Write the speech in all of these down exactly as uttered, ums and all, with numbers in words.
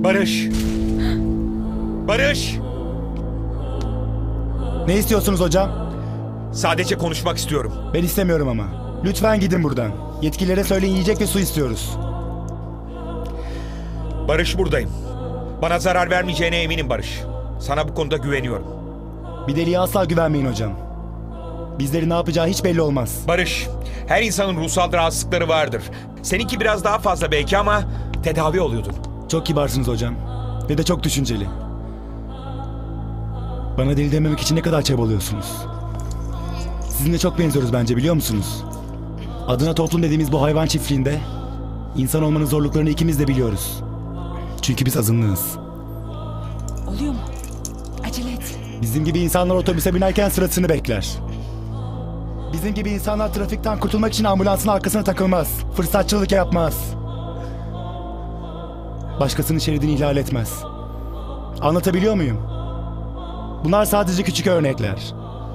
Barış! Barış! Ne istiyorsunuz hocam? Sadece konuşmak istiyorum. Ben istemiyorum ama. Lütfen gidin buradan. Yetkililere söyleyin, yiyecek ve su istiyoruz. Barış, buradayım. Bana zarar vermeyeceğine eminim Barış. Sana bu konuda güveniyorum. Bir deliye asla güvenmeyin hocam. Bizlerin ne yapacağı hiç belli olmaz. Barış, her insanın ruhsal rahatsızlıkları vardır. Seninki biraz daha fazla belki ama tedavi oluyordun. Çok kibarsınız hocam. Ve de çok düşünceli. Bana deli dememek için ne kadar çabalıyorsunuz. Sizinle çok benziyoruz bence, biliyor musunuz? Adına toplum dediğimiz bu hayvan çiftliğinde insan olmanın zorluklarını ikimiz de biliyoruz. Çünkü biz azınlığız. Oluyor mu? Acele et. Bizim gibi insanlar otobüse binerken sırasını bekler. Bizim gibi insanlar trafikten kurtulmak için ambulansın arkasına takılmaz. Fırsatçılık yapmaz. Başkasının şeridini ihlal etmez. Anlatabiliyor muyum? Bunlar sadece küçük örnekler.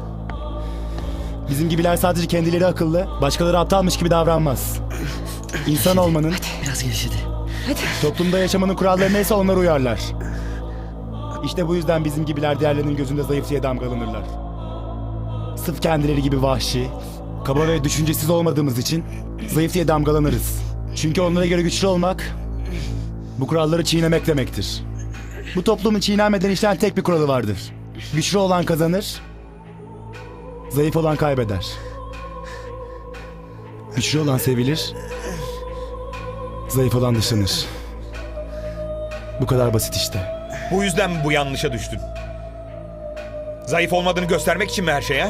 Bizim gibiler sadece kendileri akıllı, başkaları aptalmış gibi davranmaz. İnsan olmanın, Biraz gevşedi. Hadi. toplumda yaşamanın kuralları neyse onlara uyarlar. İşte bu yüzden bizim gibiler diğerlerinin gözünde zayıf diye damgalanırlar. Sırf kendileri gibi vahşi, kaba ve düşüncesiz olmadığımız için zayıf diye damgalanırız. Çünkü onlara göre güçlü olmak, bu kuralları çiğnemek demektir. Bu toplumun çiğnenmeden işleyen tek bir kuralı vardır. Güçlü olan kazanır, zayıf olan kaybeder. Güçlü olan sevilir, zayıf olan dışlanır. Bu kadar basit işte. Bu yüzden mi bu yanlışa düştün? Zayıf olmadığını göstermek için mi her şey ha?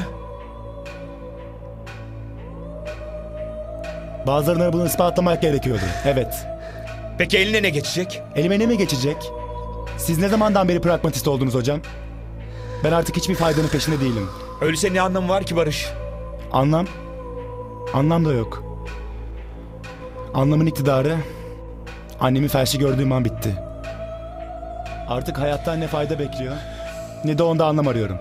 Bazılarına bunu ispatlamak gerekiyordu. Evet. Peki eline ne geçecek? Elime ne mi geçecek? Siz ne zamandan beri pragmatist oldunuz hocam? Ben artık hiçbir faydanın peşinde değilim. Öyleyse ne anlamı var ki Barış? Anlam? Anlam da yok. Anlamın iktidarı, annemi felçli gördüğüm an bitti. Artık hayattan ne fayda bekliyor, ne de onda anlam arıyorum.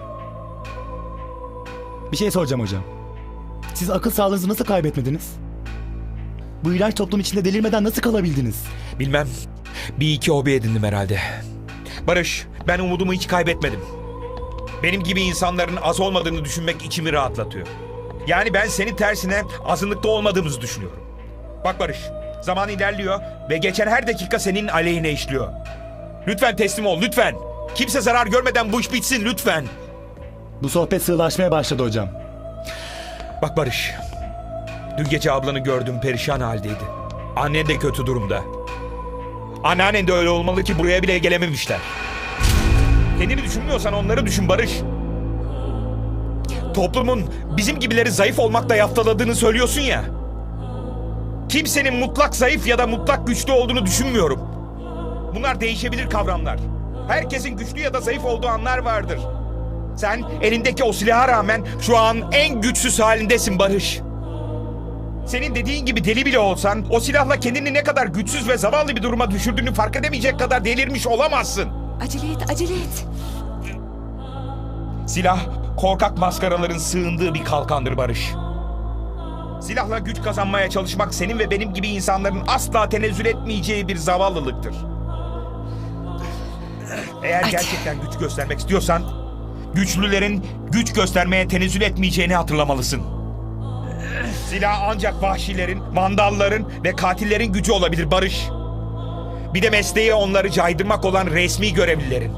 Bir şey soracağım hocam. Siz akıl sağlığınızı nasıl kaybetmediniz? Bu iğrenç toplum içinde delirmeden nasıl kalabildiniz? Bilmem. Bir iki hobi edindim herhalde. Barış, ben umudumu hiç kaybetmedim. Benim gibi insanların az olmadığını düşünmek içimi rahatlatıyor. Yani ben senin tersine azınlıkta olmadığımızı düşünüyorum. Bak Barış, zaman ilerliyor ve geçen her dakika senin aleyhine işliyor. Lütfen teslim ol, lütfen. Kimse zarar görmeden bu iş bitsin, lütfen. Bu sohbet sığlaşmaya başladı hocam. Bak Barış, dün gece ablanı gördüm, perişan haldeydi. Annen de kötü durumda. Anneannen de öyle olmalı ki buraya bile gelememişler. Kendini düşünmüyorsan onları düşün Barış. Toplumun bizim gibileri zayıf olmakla yaftaladığını söylüyorsun ya. Kimsenin mutlak zayıf ya da mutlak güçlü olduğunu düşünmüyorum. Bunlar değişebilir kavramlar. Herkesin güçlü ya da zayıf olduğu anlar vardır. Sen elindeki o silaha rağmen şu an en güçsüz halindesin Barış. Senin dediğin gibi deli bile olsan o silahla kendini ne kadar güçsüz ve zavallı bir duruma düşürdüğünü fark edemeyecek kadar delirmiş olamazsın. Acele et, acele et. Silah korkak maskaraların sığındığı bir kalkandır Barış. Silahla güç kazanmaya çalışmak senin ve benim gibi insanların asla tenezzül etmeyeceği bir zavallılıktır. Eğer Hadi. gerçekten güç göstermek istiyorsan, güçlülerin güç göstermeye tenezzül etmeyeceğini hatırlamalısın. Silah ancak vahşilerin, vandalların ve katillerin gücü olabilir Barış. Bir de mesleği onları caydırmak olan resmi görevlilerin.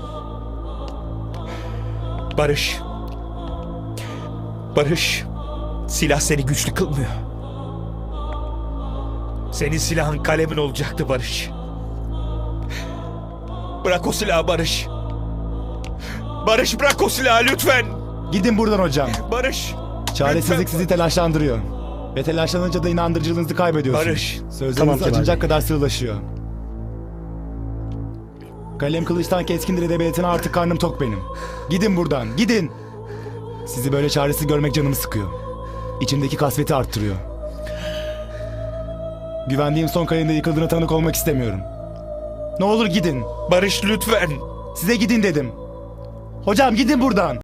Barış. Barış. Silah seni güçlü kılmıyor. Senin silahın kalemin olacaktı Barış. Bırak o silahı Barış. Barış, bırak o silahı lütfen. Gidin buradan hocam. Barış. Çaresizlik lütfen. sizi telaşlandırıyor. Ve telaşlanınca da inandırıcılığınızı kaybediyorsunuz. Barış. Sözleriniz Tamam Kemal acınacak Bey. kadar sığlaşıyor. Kalem kılıçtan keskindir edebiyatına artık karnım tok benim. Gidin buradan, gidin. Sizi böyle çaresiz görmek canımı sıkıyor. İçimdeki kasveti arttırıyor. Güvendiğim son kalemde yıkıldığına tanık olmak istemiyorum. Ne olur gidin. Barış lütfen. Size gidin dedim. Hocam gidin buradan.